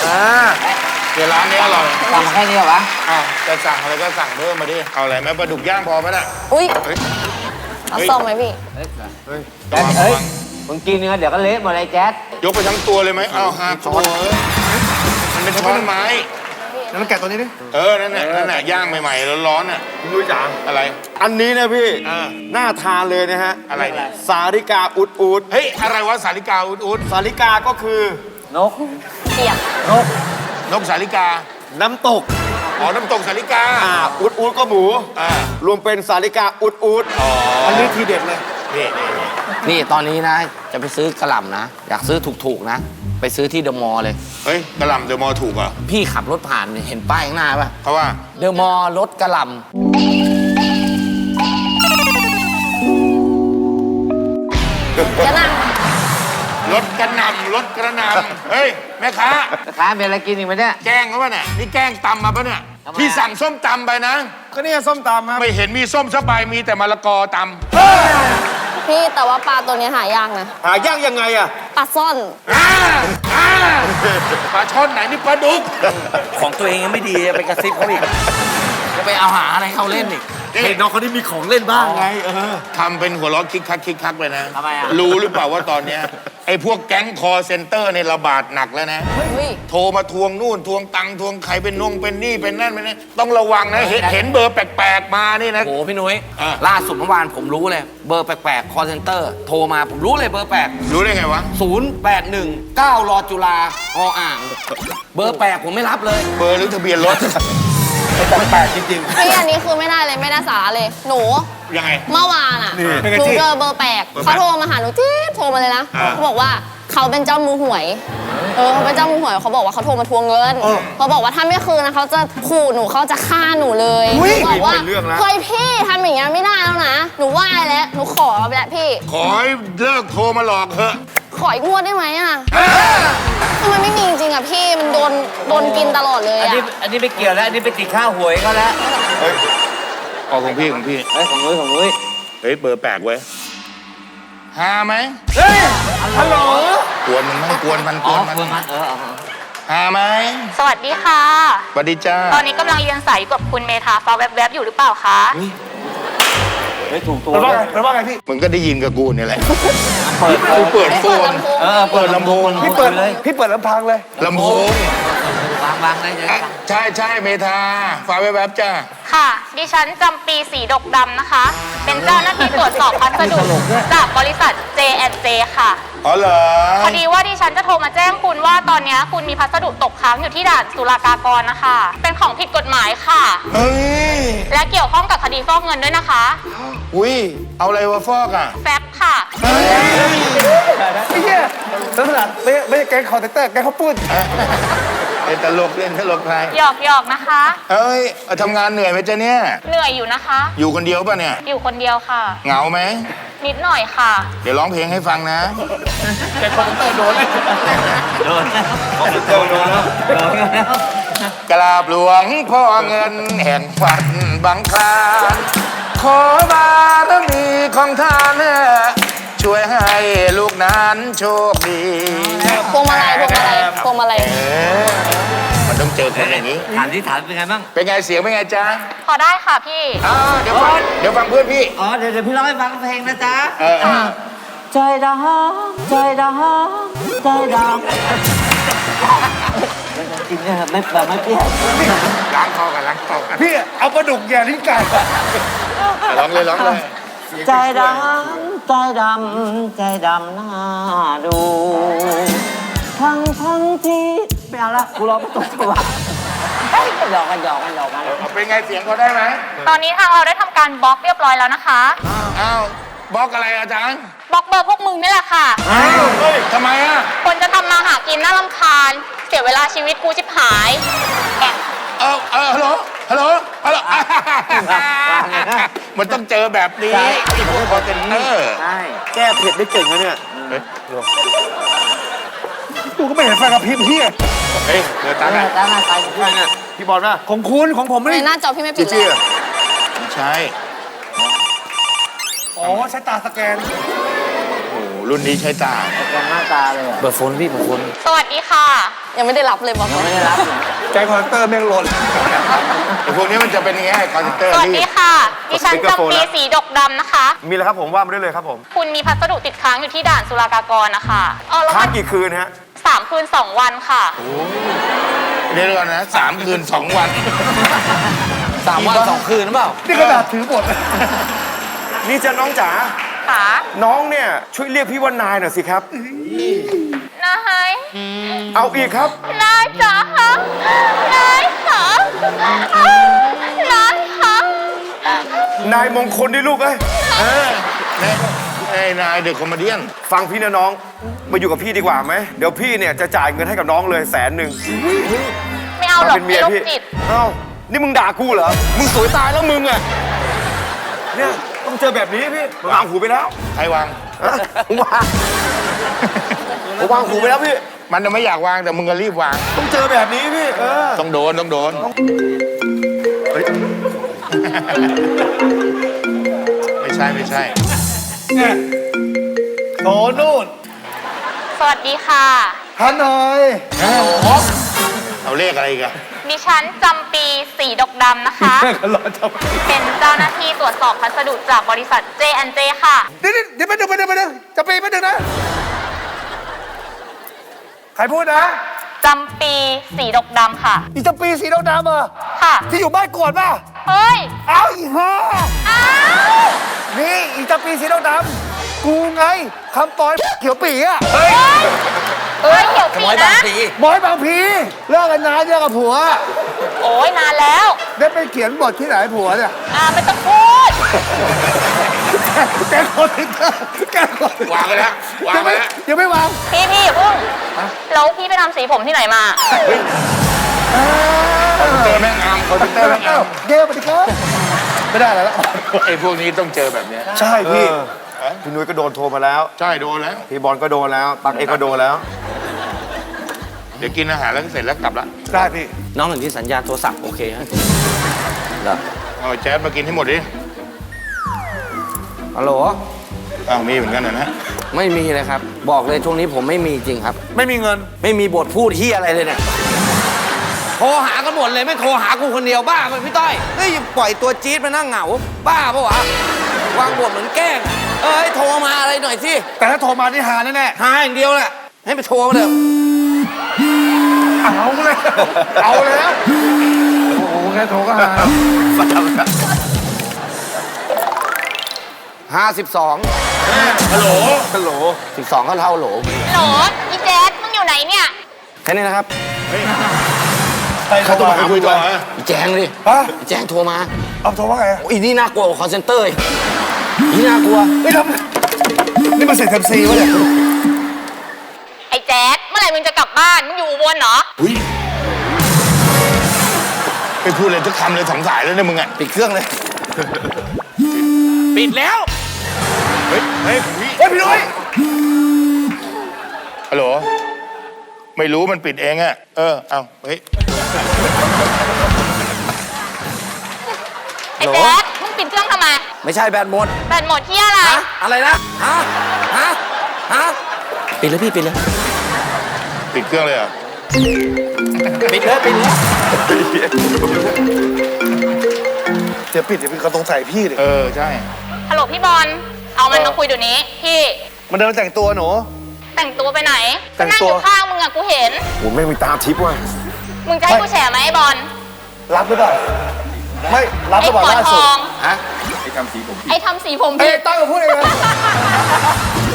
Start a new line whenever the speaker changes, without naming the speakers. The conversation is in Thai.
เดี๋ยวร้านนี้อร่อย
สั่งมาแค่นี้เหรอวะ
จะสั่งอะไรก็สั่งเพิ่มมาดิ เอาอะไรไหมปลาดุกย่างพอไหมน่ะ
อุ้ย
เฮ้ย
เอาส้มไหมพี่
แจ๊ดเฮ้ยมึงกินเนื้อเดี๋ยวก็เละหมดเลยแจ๊ด
ยกไปทั้งตัวเลยไหมเอาหักโอ้ยมันเป็นช้อนไม้
แล้วแกะตัวนี้ดิ
นั่นแหละย่างใหม่ๆร้อนๆน่ะ
คุณนุ้ยจ๋า
อะไร
อันนี้นะพี่
น่า
น่าทานเลยนะฮะ
อะไรเนี่ย
สาลิกาอุดอุด
เฮ้ย อะไรวะสาลิกาอุด
สาลิกาก็คือน
ก
เปียก
นกสาลิกา
น้ำตก
อ๋อ น้ำตกสาลิกา
อุดอุดก็หมู รวมเป็นสาลิกาอุดอุด
อันนี้ทีเด็ดเลย
นี่ตอนนี้นะ จะไปซื้อกระหล่ำนะ อยากซื้อถูกๆนะ ไปซื้อที่เดอะมอลล์เลย
เฮ้ยกระหล่ำเดอะมอลล์ถูกเหรอ
พี่ขับรถผ่านเห็นป้ายข้างหน้าป่ะ
เพราะว่า
เดอะมอลล์รถกระหล่
จะนั่ง
รถกระหน่ำรถกระหน่ำเฮ้ย แม่ค้า
ำร้านเป็นอะไรกินอีกไหมเนี่ย
แกล้งเขาป่ะเนี่ย นี่แกล้งตำมาป่ะเนี่ย
ทำไมอะ
พี่สั่งส้มตำไปนะ
ก็นี่ส้มตำครับ
ไม่เห็นมีส้มสักใบมีแต่มะละกอต
พี่แต่ว่าปลาตัวนี้หายากนะ
หายากยังไงอะ
ปลาซ่อน
ำปลาช่อนไหนนี่ปลาดุก
ของตัวเองยังไม่ดีไปกระซิบเขาอีกจะไปเอาหาอะไรเขาเล่นอีก
เห็นน้องคนนี้มีของเล่นบ้างไง
ทำเป็นหัวเราะคิกคักไปนะ
ทำไมอะ
รู้หรือเปล่าว่าตอนเนี้ยไอ้พวกแก๊งคอเซ็นเตอร์เนี่ยระบาดหนักแล้วนะ
อุ้ย
โทรมาทวงนู่นทวงตังค์ทวงใครเป็นนงเป็นนี่เป็นนั่นเป็นนี่ต้องระวังนะเห็นเบอร์แปลกๆมานี่นะ
โอ้โหพี่นุ้ย
อ่ะ
ล่าสุดเมื่อวานผมรู้เลย เบอร์แปลกๆ คอเซนเตอร์ โทรมาผมรู้เลยเบอร์แปลก
รู้ได้ไงวะ
081 9รอจุฬาออ่าง เบอร์แปลกผมไม่รับเลย
เบอร์หรือทะเบียนรถ
แปลกจริง
พี่อันนี้คือไม่ได้เลยไม่ได้สาระเลย หนู
ยังไง
เมื่อวานอ่ะ
เป็นไง
หนู
จี้
เจอเบอร์แปลกเขาโทรมาหาหนูจี๊ดโทรมาเลยนะเขาบอกว่าเขาเป็นเจ้ามือหวยเขาเป็นเจ้ามือหวยเขาบอกว่าเขาโทรมาทวงเงินเขาบอกว่าถ้าไม่คืนนะเขาจะขู่หนูเขาจะฆ่าหนูเลยหนูบอกว่าเฮ้ยพี่ทำอย่างเงี้ยไม่ได้แล้วนะหนูไหว้แล้วหนูขอไปแล้วพี่
ขอให้เลิกโทรมาหลอกเถอะ
ขออีกงวดได้ไหมอ่ะทำไมไม่มีจริงๆอ่ะพี่มันโดนกินตลอดเลย
อัน
อ่ะ
นี้ไม่เกี่ยวแล้ว อันนี้ไปติดข้าวหวยเขาแล้ว
ออกของพี่ของพี่
เฮ้ยของนุ้ยของนุ้ย
เฮ้ยเบอร์แปลกเว้ยหาไหม
ฮัลโหล
กวนมันมั้งกวนมันก
อ๋อ
วนมัน
เฟืองมัน
หาไหม
สวัสดีค่ะ
สวัสดีจ้า
ตอนนี้กำลังเรียนสายอยู่กับคุณเมธาฟ้าแวบๆอยู่หรือเปล่าคะ
เฮ้ยถูกตัว
เป็นว่าไงพี่
มึงก็ได้ยินกับกูเนี่ยแหละ
เปิด
กูเปิดโฟน
เปิดลำโพง
พี่เปิดลำพังเลย
ลำโพง
วางได้เลย
ใช่เมธาฟ้าแวบๆจ้า
ค่ะ ดิฉันจำปีสีดกดำนะคะ เป็นเจ้าหน้าที่ตรวจสอบพัสดุจากบริษัท J&J ค่ะ
อ๋อเหรอ
พอดีว่าดิฉันจะโทรมาแจ้งคุณว่าตอนนี้คุณมีพัสดุตกค้างอยู่ที่ด่านศุลกากรนะคะ เป็นของผิดกฎหมายค่ะ
เฮ้ย
และเกี่ยวข้องกับคดีฟอกเงินด้วยนะคะ
อุ้ยเอาอะไรวะฟอกอ่ะ
แฟบค่ะ
เฮ้ย
ไอ้เหี้ยลักษณะไม่ใช่แก๊งคอร์เตอร์แก๊งข้าวปุ้น
เล่นตลกเล่นตลกไทย
หยอกๆนะคะ
เฮ้ยทำงานเหนื่อยไหมจ๊ะเนี่ย
เหนื่อยอยู่นะคะ
อยู่คนเดียวป่ะเนี่ย
อยู่คนเดียวค่ะ
เหงาไหม
นิดหน่อยค่ะ
เดี๋ยวร้องเพลงให้ฟังนะ
โดนแล้ว
กราบหลวงพ่อเงินแห่งฝันบางคลานขอบารมีของท่านช่วยให้ลูกนั้นโชคดี
พวงมาลัยพวงมาลัย
มันต้องเจอคนอย่างนี้
ถามที่ถามเป็นไงบ้าง
เป็นไงเสียงเป็นไงจ๊ะ
พอได้ค่ะพี่
เดี๋ยวฟังเพื่อนพี่
อ๋อ เดี๋ยวพี่ร้องให้ฟังเพลงนะจ๊ะ ใจดำใจดำใจดำกินเนี่ยไม่เปรี้ยวไม่เปรี้ยว
ล้างคอกันล้างคอกัน
พี่เอาปลาดุกแย่ลิ้นไก่
ร้องเลยร้องเลย
ใจดำใจดำใจดำหน้าดูทั้งที่ไม่เอาละกูรอไม่ตกจังหวะหยอกกัน
เป็นไงเสียงเขาได้ไหม
ตอนนี้ทางเราได้ทำการบล็อกเรียบร้อยแล้วนะคะ
อ้าวบล็อกอะไรอาจารย์
บล็อกเบอร์พวกมึงนี่แหละค่ะ
อ้าวเฮ้ยทำไมอ่ะ
คนจะทำมาหากินน่ารำคาญ เสียเวลาชีวิตกูชิบหายแอะ
ฮัลโหลมันต้องเจอแบบนี้ไอ้พวกคอนเทนเนอร์
ใช่
แก้เผ็ดได้เก่งนะเนี่ย
เฮ้ย
กูก็ไม่เห็นไฟกระพริบพี่
เฮ้ยเดี๋ยวตา
ตั้ง
น่ะ
หน้าไป
พี่บอลป่ะของคุณของผมไม่
ใน
ได้
หน้าจอพี่ไม่ปิดเล
จี้
ย
ไม่ใช่
อ๋อใช้ตาสแกน
โอ้โหรุ่นนี้ใช้ตา
กันมากตาเลยเปิดโฟนพี่เปิดโฟน
สวัสดีค่ะ
ยังไม่ได้รับเลยบอก
ยังไม่ได้รับเลย
แก๊งคอนเตอร์แม่งหล่น
ไอ้พวกนี้มันจะเป็นอย่างเงี้ยคอนเตอร์
สวัส
ที่
ดีค่ะ ดิฉันจำปีสีดกดำนะคะ
มีอะไรครับผมว่ามาได้เลยครับผม
คุณมีพัสดุติดค้างอยู่ที่ด่านศุลกากรนะคะแล้ว
ค้าง
มัน
กี่คืนฮะ
3 คืน 2 วันค่ะ
เดี๋ยวก่อนนะ3 คืน 2 วัน
3 วัน 2 คืนหรือเปล่า
นี่กระดาษถือบท
นี่จะน้องจ๋า
ค่ะ
น้องเนี่ยช่วยเรียกพี่ว่านายหน่อยสิครับ
นาย
เอาอีกครับ
นายจ๋าคะนายค่ะนายค่ะ
นายมงคลดิลูกเอ้ย
ไอ้นายเด็กคอมเมเดี้
ฟังพี่นะน้อง มาอยู่กับพี่ดีกว่าไหม เดี๋ยวพี่เนี่ยจะจ่ายเงินให้กับน้องเลย100,000
ไม่เอาหรอก
เป็นเมี
พี่
ย
โรค
พี่
จิต
เอ้า นี่มึงด่ากูเหรอ มึงสวยตายแล้วมึงอะเนี่ยต้องเจอแบบนี้พี่มึงวางหูไปแล้ว
ใครวาง
ฮะมึงวางผมวางหูไปแล้วพี่
มันจะไม่อยากวางแต่มึงก็รีบวาง
ต้องเจอแบบนี้พี่
ต้องโดนต้องโดน
เฮ้ย
ไม่ใช่ไม่ใช่
โอ้นู่น
สวัสดีค่ะ
ฮันหน่อย
เอาเลขอะไรอีกอะ
ดิฉันจำปีสีดกดำนะคะ
รอจับ
เป็นเจ้าหน้าที่ตรวจสอบพัสดุจากบริษัท J&J ค่ะ
เดี๋ยวไปดึงจะปีไปดึงนะ ใครพูดนะ
จำปีสีดกดำค่ะ
อีจะปีสีดำๆเหรอ
ค่ะ
ที่อยู่บ้านกวดป่ะ
เฮ้ย
เอาอีห่า
อ้าว
นี่อีจะปีสีดำๆกูไงคำปอยเขียวปีอ่ะ
เฮ้ยเขียวปีนะ
บอยบางพีเลิกกันนานเลิกกับผัว
โอ้ยนานแล้ว
ได้ไปเขียนบทที่ไหนผัวเนี่ย
ไม่ต้องพูด
แกคนถึงแกคน
วางไปแล้ววางไปแล้ว
ยังไม่วาง
พี่อย่าเพิ่งแล้วพี่ไปทำสีผมที่ไหนมา
คอมพิวเตอร์แม่งอามคอมพิวเตอร์แม่งอาม
เกลปฏิครับไม่ได้แล้ว
ไอ้พวกนี้ต้องเจอแบบเนี้ย
ใช่พี่ พี่นุ้ยก็โดนโทรมาแล้ว
ใช่โดนแล้ว
พี่บอลก็โดนแล้ว ตักเอกก็โดนแล้ว
เดี๋ยวกินอาหารแล้วก็เสร็จแล้วกลับละ
ได้พี่
น้องเห็นที่สัญญาณโทรศัพท์โอเคฮะเหรอ
เอาแจ๊สมากินให้หมดดิ
ฮัลโหล
อ้าวมีเหมือนกันนะ
ไม่มีเลยครับ บอกเลยช่วงนี้ผมไม่มีจริงครับ
ไม่มีเงิน
ไม่มีบทพูดที่อะไรเลยเนี่ยโทรหากันหมดเลยไม่โทรหากูคนเดียวบ้าไหมพี่ต้อยเฮ้ยปล่อยตัวจี๊ดมานั่งเหงา บ้าปะวะวางบทเหมือนแกล้งเอ้ยโทรมาอะไรหน่อยสิ
แต่ถ้าโทรมานี่หาแน่
หาอย่างเดียวแหละให้ไปโทรมาเลย
ๆเอาเลยเอาแล้วโอ้โหแค่โทรก็หา
52
ฮัลโหล
ฮัลโหล
12ก็เท่าโหล
โหลอีแจ๊ดมึงอยู่ไหนเนี่ย
แค่นี้นะครับ
เขาต้องมาคุยต่อฮะ
อีแจงดิ
ฮะ
อีแจงโทรมา
เอาโทรว่าไง
โอ้ยอีนี่น่ากลัวกว่าคอนเซนเตอร์อีกอีนี่น่ากลัว
ไม่ทำนี่มันเสร็จทำซีวะเนี่ย
ไอ้แจ๊ดเมื่อไหร่มึงจะกลับบ้าน มึงอยู่อุบลเหรอ
อุ้ยไปพูดเลยทุกคำเลยสองสายแล้วเนี่ยมึงอ่ะ
ปิดเครื่องเลย ปิดแล้ว
เฮ้ยเฮ้ย
เฮ้ยพี่นุ้ย
ฮัลโหลไม่รู้มันปิดเองอะเอาเฮ้ย
ไอ้แจ๊ดมึงปิดเครื่องทำไม
ไม่ใช่แบนหมด
แบตหมดที่อะไร
ฮะอะไรนะฮะปิดเลยพี่ปิดเลย
ปิดเครื่องเลยเหรอ
ปิดเลยปิดเลย
เดี๋ยวปิดเดี๋ยวพี่เขาสงสัยพี่ดิ
ใช่
ฮัลโหลพี่บอล เอามันมาคุยเดี๋ยวนี้ พี่
มันเดินแต่งตัวหนู
แต่งตัวไปไหน
แต่
ก็
ง
นั่ง
ตั
อ
ว
ยู่ข้างมึงอะกูเห็น
โหแม่งมีตาทิพย์ว่ะ
มึงจะให้กูแฉไหมไอ้บอล
รับหรือเปล่าไม่รับห
ไอ้
รือเปล่า
ปอด
ล่า
ท
สุด
อง
ฮะ
ไอ้ทำสีผม
เอ้
ผิ
ย
ด
ตั้งกับพูดเองนะ